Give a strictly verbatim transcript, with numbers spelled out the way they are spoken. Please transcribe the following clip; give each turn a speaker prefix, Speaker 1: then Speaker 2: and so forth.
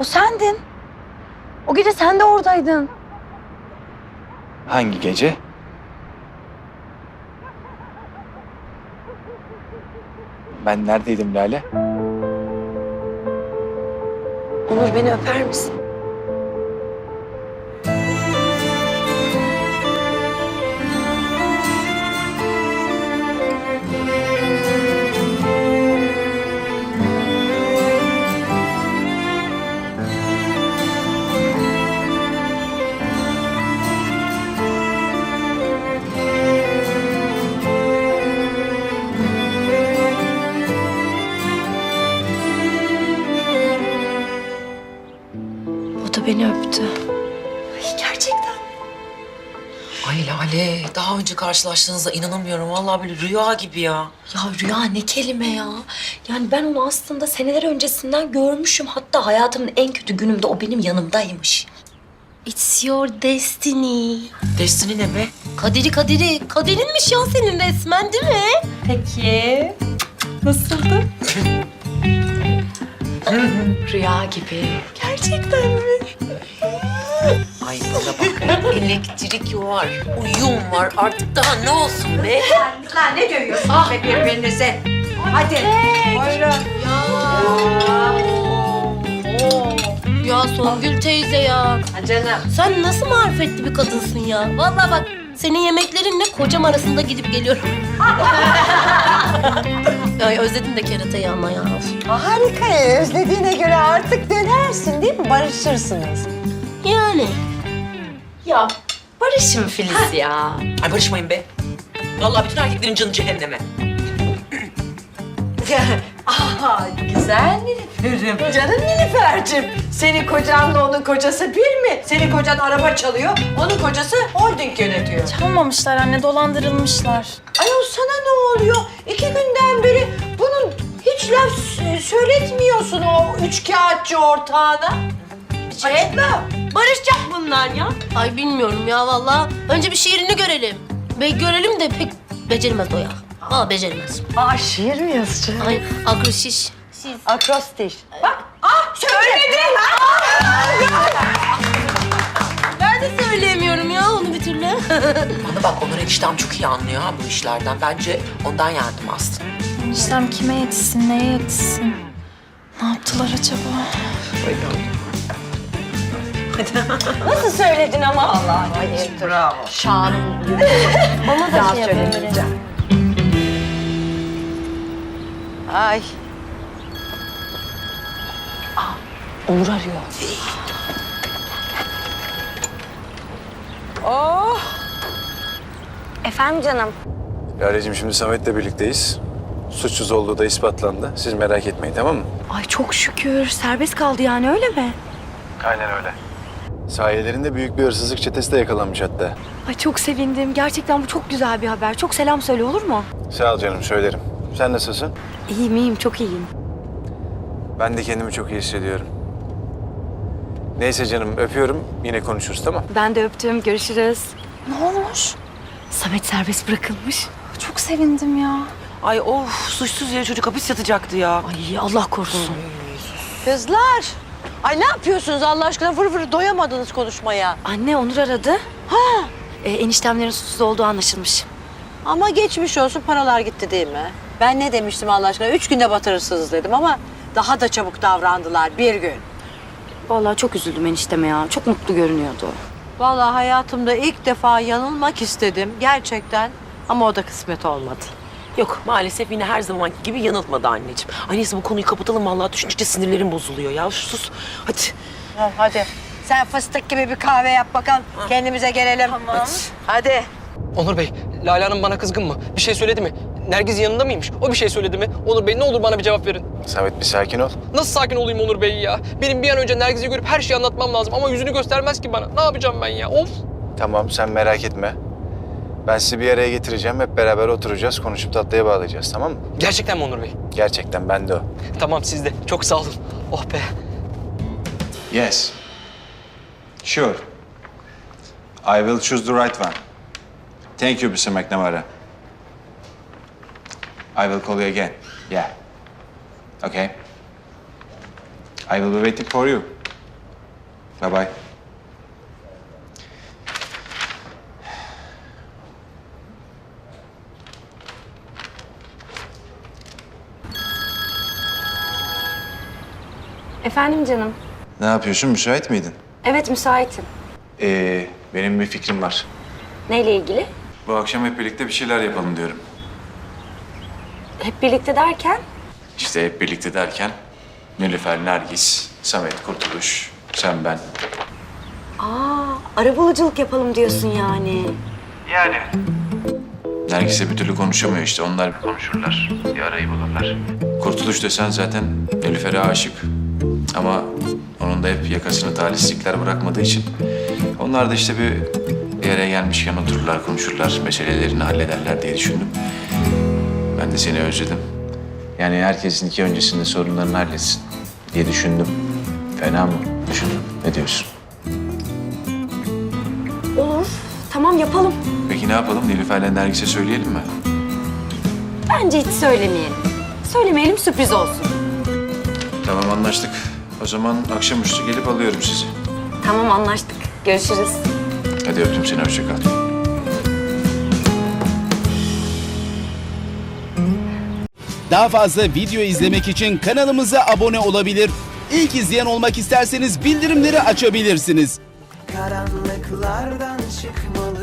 Speaker 1: O sendin. O gece sen de oradaydın.
Speaker 2: Hangi gece? Ben neredeydim Lale?
Speaker 1: Onur, beni öper misin? O da beni öptü. Ay, gerçekten.
Speaker 3: Ay Lale, daha önce karşılaştığınızda inanamıyorum. Vallahi böyle rüya gibi ya.
Speaker 4: Ya Rüya ne kelime ya. Yani ben onu aslında seneler öncesinden görmüşüm. Hatta hayatımın en kötü günümde o benim yanımdaymış. It's your destiny.
Speaker 3: Destiny ne be?
Speaker 4: Kaderi kaderi. Kaderinmiş ya senin resmen, değil mi? Peki. Nasıldı? Rüya gibi. Gerçekten mi?
Speaker 3: Ay bana bak, elektrik var, uyum var. Artık daha ne olsun be?
Speaker 5: Lan ne dövüyorsunuz ah. be birbirinize? Hadi buyurun.
Speaker 4: Ya Songül teyze ya.
Speaker 5: Ha canım.
Speaker 4: Sen nasıl marifetli bir kadınsın ya. Vallahi bak, senin yemeklerinle kocam arasında gidip geliyorum. Ay özledim de keratayı ama ya.
Speaker 5: Harika. Özlediğine göre artık dönersin değil mi? Barışırsınız.
Speaker 4: Yani. Ya barışın Filiz ya.
Speaker 3: Ay barışmayın be. Vallahi bütün erkeklerin canı cehenneme.
Speaker 5: Aha güzel Nilüfer'im. Canım Nilüfer'cim. Senin kocanla onun kocası bir mi? Senin kocan araba çalıyor, onun kocası holding yönetiyor.
Speaker 1: Çalmamışlar anne, dolandırılmışlar.
Speaker 5: Ayol sana ne oluyor? İki günden beri bunun hiç laf s- söyletmiyorsun o üç kağıtçı ortağına. Açıkla.
Speaker 4: Barışacak bunlar ya. Ay bilmiyorum ya vallahi. Önce bir şiirini görelim. Be görelim de pek beceremez o ya. Aa beceremez.
Speaker 5: Aa şiir mi yazacak?
Speaker 4: Ay akroşiş.
Speaker 5: Akrostiş. Bak, ah söyledi.
Speaker 4: Ben de söyleyemiyorum ya onu bir türlü.
Speaker 3: Bana bak, Onur eniştem çok iyi anlıyor ha bu işlerden. Bence ondan yardım astım.
Speaker 1: Eniştem kime yetişsin, neye yetişsin? Ne yaptılar acaba?
Speaker 5: Nasıl söyledin ama? Allah bayıldı. Bravo. Şanım.
Speaker 4: Ona da
Speaker 5: Daha
Speaker 4: şey yapalım.
Speaker 5: söylemeyeceğim. Ay.
Speaker 4: Onur arıyor.
Speaker 5: Oh.
Speaker 1: Efendim canım.
Speaker 2: Lale'cim şimdi Samet'le birlikteyiz. Suçsuz olduğu da ispatlandı. Siz merak etmeyin, tamam mı?
Speaker 1: Ay çok şükür. Serbest kaldı yani, öyle mi?
Speaker 2: Aynen öyle. Sahilerinde büyük bir hırsızlık çetesi de yakalanmış hatta.
Speaker 1: Ay çok sevindim. Gerçekten bu çok güzel bir haber. Çok selam söyle, olur mu?
Speaker 2: Sağ ol canım, söylerim. Sen nasılsın?
Speaker 1: İyiyim iyiyim, çok iyiyim.
Speaker 2: Ben de kendimi çok iyi hissediyorum. Neyse canım, öpüyorum. Yine konuşuruz, tamam?
Speaker 1: Ben de öptüm. Görüşürüz. Ne olmuş? Samet serbest bırakılmış. Çok sevindim ya.
Speaker 3: Ay of, suçsuz yere çocuk hapis yatacaktı ya.
Speaker 4: Ay Allah korusun.
Speaker 5: Kızlar. Ay ne yapıyorsunuz Allah aşkına? Vır vır doyamadınız konuşmaya.
Speaker 1: Anne Onur aradı. Ha. Ee, eniştemlerin suçsuz olduğu anlaşılmış.
Speaker 5: Ama geçmiş olsun, paralar gitti değil mi? Ben ne demiştim Allah aşkına? Üç günde batırırsınız dedim ama daha da çabuk davrandılar bir gün.
Speaker 1: Vallahi çok üzüldüm enişteme ya. Çok mutlu görünüyordu.
Speaker 5: Vallahi hayatımda ilk defa yanılmak istedim gerçekten ama o da kısmet olmadı.
Speaker 3: Yok, maalesef yine her zamanki gibi yanıltmadı anneciğim. Ay neyse, bu konuyu kapatalım. Vallahi düşündükçe sinirlerim bozuluyor ya. Sus, hadi.
Speaker 5: Ha, hadi sen fıstık gibi bir kahve yap bakalım. Kendimize gelelim. Tamam. Hadi.
Speaker 6: Onur Bey, Lale Hanım bana kızgın mı? Bir şey söyledi mi? Nergiz yanında mıymış? O bir şey söyledi mi? Onur Bey ne olur bana bir cevap verin.
Speaker 2: Samet bir sakin ol.
Speaker 6: Nasıl sakin olayım Onur Bey ya? Benim bir an önce Nergiz'i görüp her şeyi anlatmam lazım ama yüzünü göstermez ki bana. Ne yapacağım ben ya? Of!
Speaker 2: Tamam, sen merak etme. Ben sizi bir araya getireceğim. Hep beraber oturacağız, konuşup tatlıya bağlayacağız, tamam mı?
Speaker 6: Gerçekten mi Onur Bey?
Speaker 2: Gerçekten, ben de o.
Speaker 6: Tamam siz de. Çok sağ olun. Oh be.
Speaker 7: Yes. Sure. I will choose the right one. Thank you, mister McNamara. I will call you again. Yeah. Okay. I will be waiting for you. Bye bye.
Speaker 1: Efendim canım.
Speaker 7: Ne yapıyorsun? Müsait miydin?
Speaker 1: Evet müsaitim.
Speaker 7: Ee, benim bir fikrim var.
Speaker 1: Neyle ilgili?
Speaker 7: Bu akşam hep birlikte bir şeyler yapalım diyorum.
Speaker 1: Hep birlikte derken?
Speaker 7: İşte hep birlikte derken Nilüfer, Nergis, Samet, Kurtuluş, sen, ben.
Speaker 1: Aa, arabuluculuk yapalım diyorsun yani.
Speaker 7: Yani. Nergis'le bir türlü konuşamıyor işte. Onlar bir konuşurlar. Bir arayı bulurlar. Kurtuluş desen zaten Nilüfer'e aşık. Ama onun da hep yakasını talihsizlikler bırakmadığı için. Onlar da işte bir, bir araya gelmişken otururlar, konuşurlar, meselelerini hallederler diye düşündüm. Ben de seni özledim. Yani herkesin iki öncesinde sorunlarını halletsin diye düşündüm. Fena mı düşündüm? Ne diyorsun?
Speaker 1: Olur. Tamam yapalım.
Speaker 7: Peki ne yapalım? Nilüfer'le Nergis'e söyleyelim mi?
Speaker 1: Bence hiç söylemeyelim. Söylemeyelim, sürpriz olsun.
Speaker 7: Tamam, anlaştık. O zaman akşamüstü gelip alıyorum sizi.
Speaker 1: Tamam anlaştık. Görüşürüz.
Speaker 7: Hadi öptüm seni, hoşça kal.
Speaker 8: Daha fazla video izlemek için kanalımıza abone olabilir. İlk izleyen olmak isterseniz bildirimleri açabilirsiniz.
Speaker 9: Karanlıklardan çıkmalı